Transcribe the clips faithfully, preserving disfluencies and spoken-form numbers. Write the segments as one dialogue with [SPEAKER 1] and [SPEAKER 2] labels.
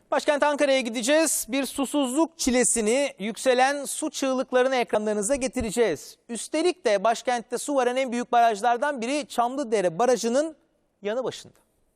[SPEAKER 1] Başkent Ankara'ya gideceğiz. Bir susuzluk çilesini, yükselen su çığlıklarını ekranlarınıza getireceğiz. Üstelik de başkentte su varan en büyük barajlardan biri Çamlıdere Barajı'nın yanı başında.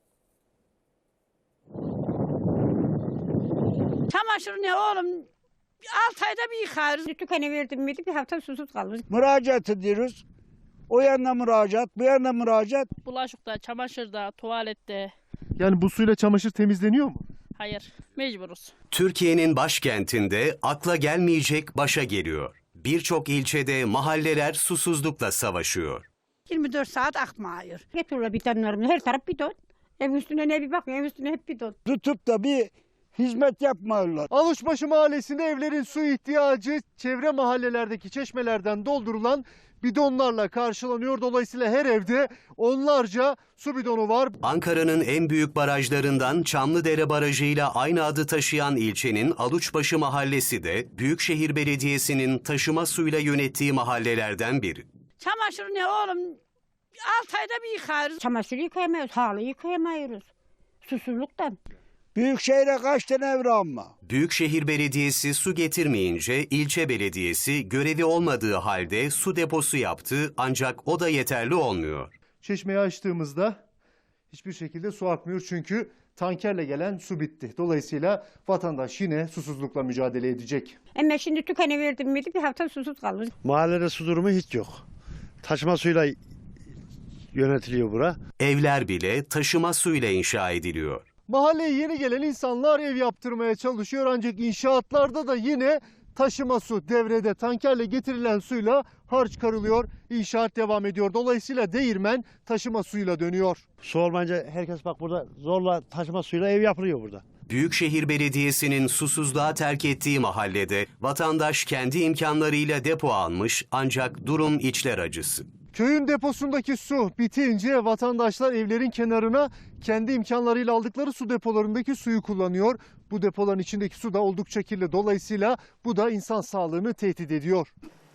[SPEAKER 2] Çamaşır ne oğlum? altı ayda bir yıkarız.
[SPEAKER 3] Tükene verdim miydi bir hafta susuz kalırız.
[SPEAKER 4] Müracaat ediyoruz. O yana müracaat, bu yana müracaat.
[SPEAKER 5] Bulaşıkta, çamaşırda, tuvalette.
[SPEAKER 6] Yani bu suyla çamaşır temizleniyor mu?
[SPEAKER 5] Hayır, mecburuz.
[SPEAKER 7] Türkiye'nin başkentinde akla gelmeyecek başa geliyor. Birçok ilçede mahalleler susuzlukla savaşıyor.
[SPEAKER 2] yirmi dört saat akmıyor.
[SPEAKER 3] Getiriyorlar bidonlarını, her taraf bidon. Ev üstüne ne bir bakın, ev üstüne hep bidon.
[SPEAKER 4] Tutup da bir hizmet yapmıyorlar.
[SPEAKER 6] Alışbaşı Mahallesi'nde evlerin su ihtiyacı çevre mahallelerdeki çeşmelerden doldurulan bidonlarla karşılanıyor. Dolayısıyla her evde onlarca su bidonu var.
[SPEAKER 7] Ankara'nın en büyük barajlarından Çamlıdere Barajı ile aynı adı taşıyan ilçenin Aluçbaşı Mahallesi de Büyükşehir Belediyesi'nin taşıma suyla yönettiği mahallelerden biri.
[SPEAKER 2] Çamaşır ne oğlum? altı ayda bir yıkarız.
[SPEAKER 3] Çamaşır yıkayamıyoruz, halı yıkayamıyoruz. Susuzluktan.
[SPEAKER 4] Büyükşehir'e kaç tane ev ama?
[SPEAKER 7] Büyükşehir Belediyesi su getirmeyince ilçe belediyesi görevi olmadığı halde su deposu yaptı, ancak o da yeterli olmuyor.
[SPEAKER 6] Çeşmeyi açtığımızda hiçbir şekilde su akmıyor çünkü tankerle gelen su bitti. Dolayısıyla vatandaş yine susuzlukla mücadele edecek.
[SPEAKER 3] Ama şimdi tükene verdim miydi bir hafta susuz kalırız.
[SPEAKER 8] Mahallede su durumu hiç yok. Taşıma suyla yönetiliyor bura.
[SPEAKER 7] Evler bile taşıma suyla inşa ediliyor.
[SPEAKER 6] Mahalleye yeni gelen insanlar ev yaptırmaya çalışıyor ancak inşaatlarda da yine taşıma su devrede, tankerle getirilen suyla harç karılıyor. İnşaat devam ediyor. Dolayısıyla değirmen taşıma suyla dönüyor.
[SPEAKER 8] Su olmayınca herkes bak burada zorla taşıma suyla ev yapılıyor burada.
[SPEAKER 7] Büyükşehir Belediyesi'nin susuzluğa terk ettiği mahallede vatandaş kendi imkanlarıyla depo almış, ancak durum içler acısı.
[SPEAKER 6] Köyün deposundaki su bitince vatandaşlar evlerin kenarına kendi imkanlarıyla aldıkları su depolarındaki suyu kullanıyor. Bu depoların içindeki su da oldukça kirli. Dolayısıyla bu da insan sağlığını tehdit ediyor.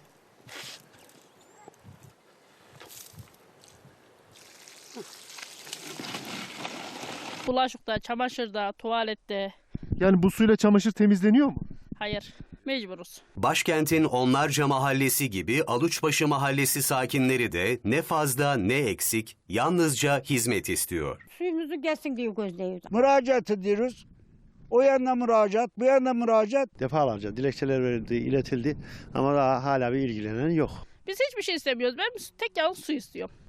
[SPEAKER 5] Bulaşıkta, çamaşırda, tuvalette.
[SPEAKER 6] Yani bu suyla çamaşır temizleniyor mu?
[SPEAKER 5] Hayır, mecburuz.
[SPEAKER 7] Başkentin onlarca mahallesi gibi Aluçbaşı Mahallesi sakinleri de ne fazla ne eksik, yalnızca hizmet istiyor.
[SPEAKER 3] Suyumuzu gelsin diye gözleyiyoruz.
[SPEAKER 4] Müracaat ediyoruz. O yana müracaat, bu yana müracaat.
[SPEAKER 8] Defalarca dilekçeler verildi, iletildi ama daha hala bir ilgilenen yok.
[SPEAKER 5] Biz hiçbir şey istemiyoruz. Ben tek yalnız su istiyorum.